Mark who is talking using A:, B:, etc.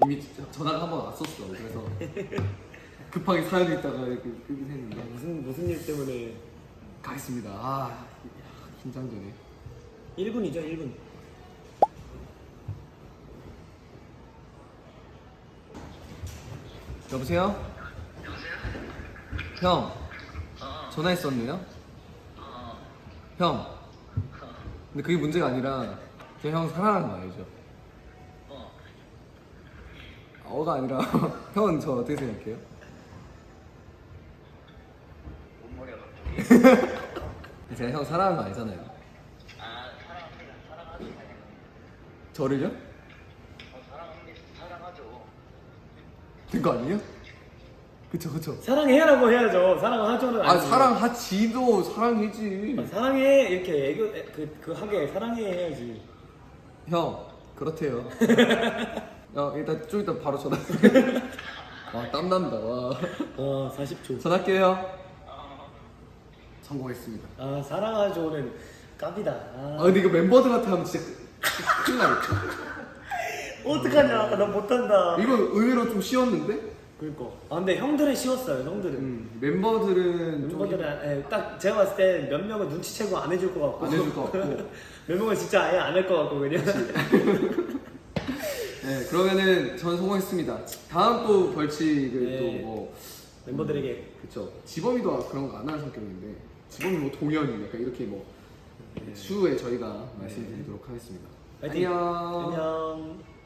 A: 이미 전화가 한 번 왔었어. 그래서 급하게 사연이 있다가 이렇게 끄긴 했는데
B: 무슨 일 때문에
A: 가겠습니다. 아 긴장되네.
B: 1분이죠 1분.
A: 여보세요? 형 전화했었네요? 형 근데 그게 문제가 아니라 제가 형 사랑하는 거 알죠? 어가 아니라 형은 저 어떻게 생각해요?
C: 뭔 말이야 갑자기?
A: 제가 형 사랑하는 거 아니잖아요.
C: 아 사랑합니다. 사랑하죠.
A: 저를요?
C: 사랑하죠.
A: 된 거 아니에요? 그쵸.
B: 사랑해라고 해야죠. 사랑하죠는
A: 아
B: 아니고.
A: 사랑하지도 사랑이지.
B: 사랑해 이렇게 애교 그 하게 사랑해 해야지.
A: 형 그렇대요. 일단 좀 이따 바로 전화. 와 땀난다. 와
B: 40초.
A: 전화할게요. 성공했습니다.
B: 아 사랑하죠는 깝이다.
A: 근데 이거 멤버들한테 하면 진짜 큰일 나겠다.
B: 어떡하냐. 나 못한다.
A: 이거 의외로 좀 쉬웠는데?
B: 그러니까. 근데 형들은 쉬웠어요. 형들은.
A: 멤버들은 좀
B: 멤버들은 딱 제가 봤을 때 몇 명은 눈치채고 안 해줄 것 같고
A: 안 해줄 것 같고.
B: 몇 명은 진짜 아예 안 할 것 같고 그냥.
A: 네 그러면은 전 성공했습니다. 다음 또 벌칙을
B: 네.
A: 또 뭐
B: 멤버들에게
A: 그쵸. 지범이도 그런 거 안 하는 성격인데 지범이 뭐 동현이 약간 이렇게 뭐 추후에 저희가 말씀드리도록 하겠습니다.
B: 파이팅.
A: 안녕.
B: 안녕.